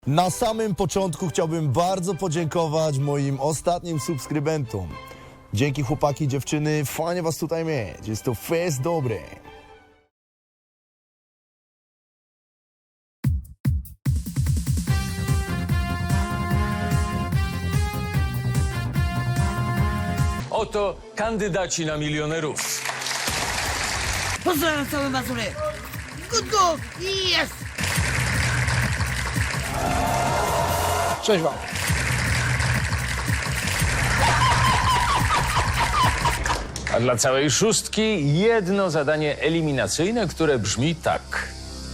Na samym początku chciałbym bardzo podziękować moim ostatnim subskrybentom. Dzięki chłopaki i dziewczyny, fajnie was tutaj mieć. Jest to fest dobry. Oto kandydaci na milionerów. Pozdrawiam całe Mazury! Good go! Yes! Cześć wam. A dla całej szóstki jedno zadanie eliminacyjne, które brzmi tak.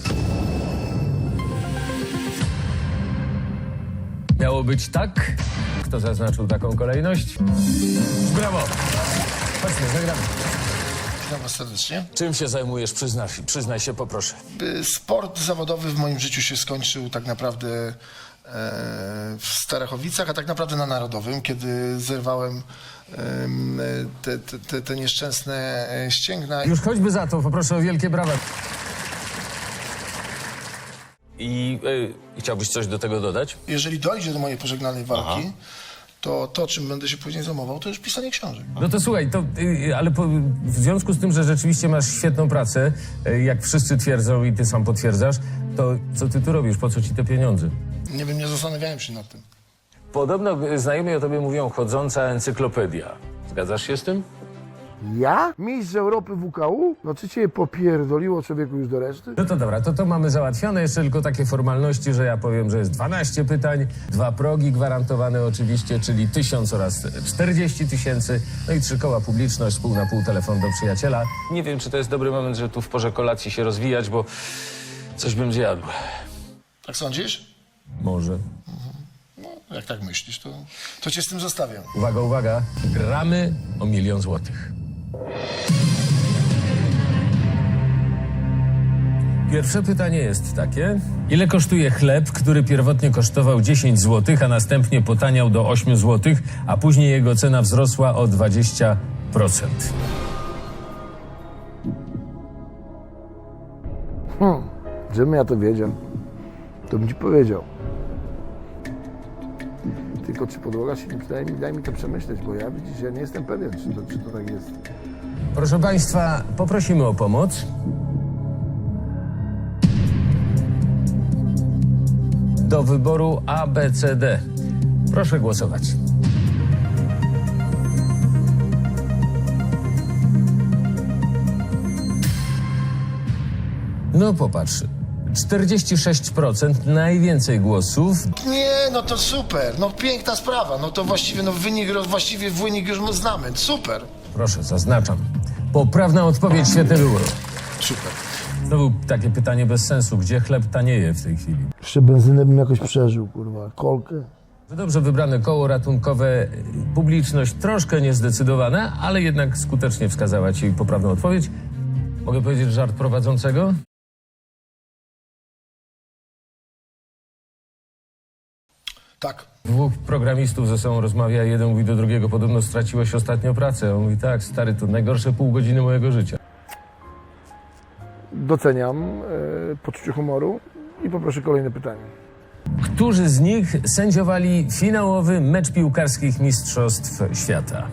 Miało być tak? Kto zaznaczył taką kolejność? Brawo! Chodźmy, zagramy. Witam was serdecznie. Czym się zajmujesz? Przyznaj się, poproszę. Sport zawodowy w moim życiu się skończył tak naprawdę w Starachowicach, a tak naprawdę na Narodowym, kiedy zerwałem te nieszczęsne ścięgna. Już choćby za to, poproszę o wielkie brawa. I chciałbyś coś do tego dodać? Jeżeli dojdzie do mojej pożegnalnej walki, to czym będę się później zajmował, to już pisanie książek. No to słuchaj, ale w związku z tym, że rzeczywiście masz świetną pracę, jak wszyscy twierdzą i ty sam potwierdzasz, to co ty tu robisz? Po co ci te pieniądze? Nie wiem, nie zastanawiałem się nad tym. Podobno znajomi o tobie mówią chodząca encyklopedia. Zgadzasz się z tym? Ja? Mistrz Europy WKU? No czy cię popierdoliło człowieku już do reszty? No to dobra, to mamy załatwione. Jeszcze tylko takie formalności, że ja powiem, że jest 12 pytań, 2 progi gwarantowane oczywiście, czyli 1000 oraz 40 000, no i 3 koła publiczność, pół na pół telefon do przyjaciela. Nie wiem, czy to jest dobry moment, żeby tu w porze kolacji się rozwijać, bo coś bym zjadł. Tak sądzisz? Może. No, jak tak myślisz, to cię z tym zostawiam. Uwaga, uwaga, gramy o 1 000 000 złotych. Pierwsze pytanie jest takie. Ile kosztuje chleb, który pierwotnie kosztował 10 zł, a następnie potaniał do 8 zł, a później jego cena wzrosła o 20%? Żebym ja to wiedział, to bym ci powiedział. Tylko czy podłoga się nie przydaje mi, daj mi to przemyśleć, bo ja widzisz, ja nie jestem pewien, czy to tak jest. Proszę Państwa, poprosimy o pomoc. Do wyboru A, B, C, D. Proszę głosować. No popatrz. 46%, najwięcej głosów. Nie, no to super, no piękna sprawa, no to właściwie, wynik już znamy, super. Proszę, zaznaczam. Poprawna odpowiedź, świetny wybór. Super. Znowu takie pytanie bez sensu. Gdzie chleb tanieje w tej chwili? Jeszcze benzynę bym jakoś przeżył, kurwa, kolkę. Dobrze wybrane koło ratunkowe, publiczność troszkę niezdecydowana, ale jednak skutecznie wskazała ci poprawną odpowiedź. Mogę powiedzieć żart prowadzącego? Tak. 2 programistów ze sobą rozmawia, jeden mówi do drugiego, podobno straciłeś ostatnio pracę. On mówi, tak, stary, to najgorsze pół godziny mojego życia. Doceniam poczucie humoru i poproszę kolejne pytanie. Którzy z nich sędziowali finałowy mecz piłkarskich Mistrzostw Świata?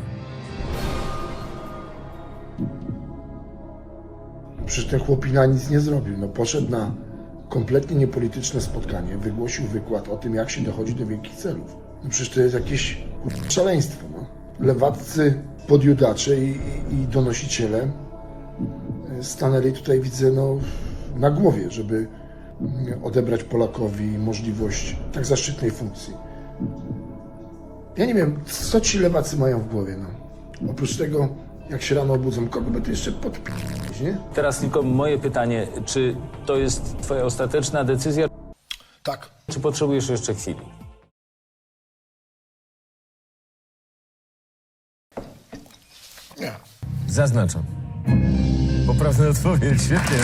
Przecież ten chłopina nic nie zrobił. No poszedł na kompletnie niepolityczne spotkanie, wygłosił wykład o tym, jak się dochodzi do wielkich celów. No przecież to jest jakieś szaleństwo. No. Lewaccy podjudacze i donosiciele stanęli tutaj, widzę, no, na głowie, żeby odebrać Polakowi możliwość tak zaszczytnej funkcji. Ja nie wiem, co ci lewacy mają w głowie. No. Oprócz tego, jak się rano obudzą, kogo by to jeszcze podpisać, nie? Teraz tylko moje pytanie, czy to jest twoja ostateczna decyzja, Tak. czy potrzebujesz jeszcze chwili? Nie. Zaznaczam. Poprawna odpowiedź, świetnie.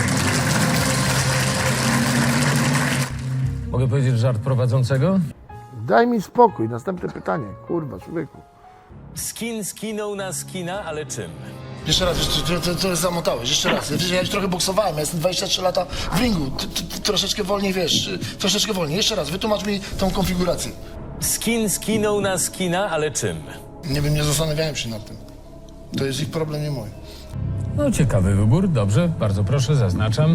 Mogę powiedzieć żart prowadzącego? Daj mi spokój, następne pytanie. Kurwa, człowieku. Skin skinął na skina, ale czym? Jeszcze raz, to zamotałeś, jeszcze raz. Wiesz, ja już trochę boksowałem, ja jestem 23 lata w ringu. Ty troszeczkę wolniej, wiesz, troszeczkę wolniej. Jeszcze raz, wytłumacz mi tą konfigurację. Skin skinął na skina, ale czym? Nie wiem, nie zastanawiałem się nad tym. To jest ich problem, nie mój. No, ciekawy wybór. Dobrze, bardzo proszę, zaznaczam.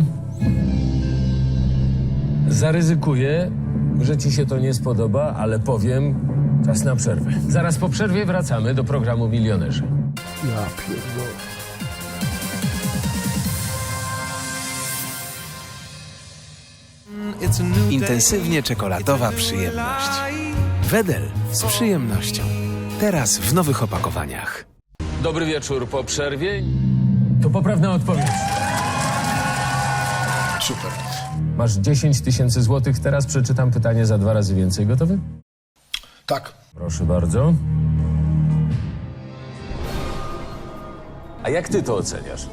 Zaryzykuję, że ci się to nie spodoba, ale powiem, czas na przerwę. Zaraz po przerwie wracamy do programu Milionerzy. Ja pierdolę. Intensywnie czekoladowa przyjemność. Wedel z przyjemnością. Teraz w nowych opakowaniach. Dobry wieczór po przerwie. To poprawna odpowiedź. Super. Masz 10 000 złotych. Teraz przeczytam pytanie za 2 razy więcej. Gotowy? Tak. Proszę bardzo. A jak ty to oceniasz?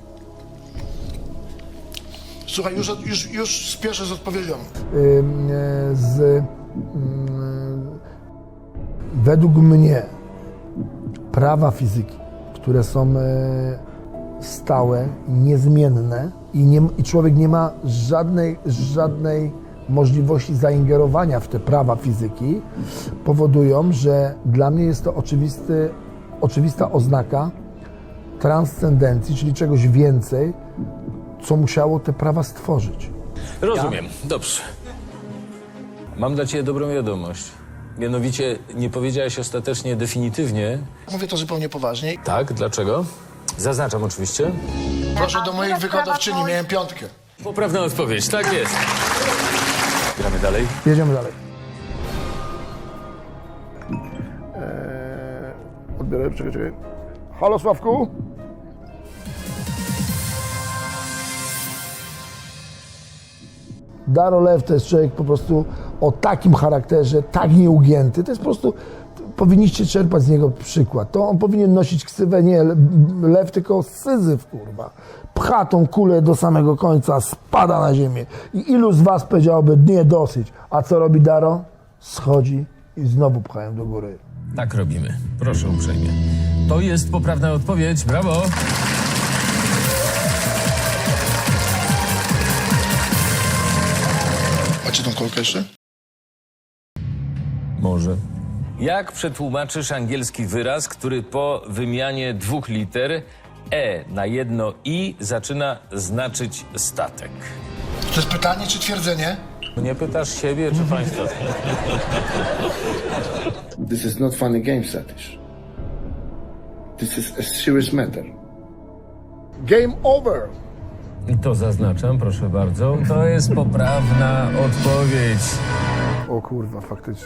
Słuchaj, już spieszę z odpowiedzią. Według mnie prawa fizyki, które są stałe, niezmienne i człowiek nie ma żadnej możliwości zaingerowania w te prawa fizyki, powodują, że dla mnie jest to oczywista oznaka transcendencji, czyli czegoś więcej, co musiało te prawa stworzyć. Rozumiem, dobrze. Mam dla ciebie dobrą wiadomość. Mianowicie nie powiedziałeś ostatecznie definitywnie. Mówię to zupełnie poważnie. Tak, dlaczego? Zaznaczam oczywiście. Proszę do moich wykładowczyni, miałem 5. Poprawna odpowiedź, tak jest. Gramy dalej. Jedziemy dalej. Odbiorę, czekaj. Halo, Sławku? Daro Lew to jest człowiek po prostu o takim charakterze, tak nieugięty. To jest po prostu, powinniście czerpać z niego przykład. To on powinien nosić ksywę nie Lew, tylko Syzyf, kurwa. Pcha tą kulę do samego końca, spada na ziemię. I ilu z was powiedziałoby, nie, dosyć. A co robi Daro? Schodzi i znowu pchają do góry. Tak robimy. Proszę uprzejmie. To jest poprawna odpowiedź. Brawo! Macie tą kolkę jeszcze? Może. Jak przetłumaczysz angielski wyraz, który po wymianie 2 liter na jedno i zaczyna znaczyć statek? To jest pytanie czy twierdzenie? Nie pytasz siebie czy państwa? This is not funny game, Satish. This is a serious matter. Game over! I to zaznaczam, proszę bardzo. To jest poprawna odpowiedź. O kurwa, faktycznie.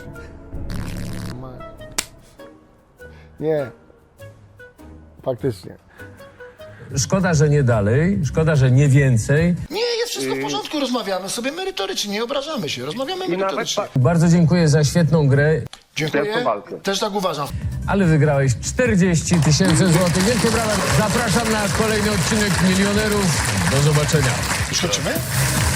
Nie. Faktycznie. Szkoda, że nie dalej, szkoda, że nie więcej. Nie, jest wszystko w porządku, rozmawiamy sobie merytorycznie, nie obrażamy się, rozmawiamy merytorycznie. Bardzo dziękuję za świetną grę, Dziękuję, też tak uważam. ale wygrałeś 40 000 złotych. Wielkie brawa. Zapraszam na kolejny odcinek Milionerów. Do zobaczenia. Już kończymy?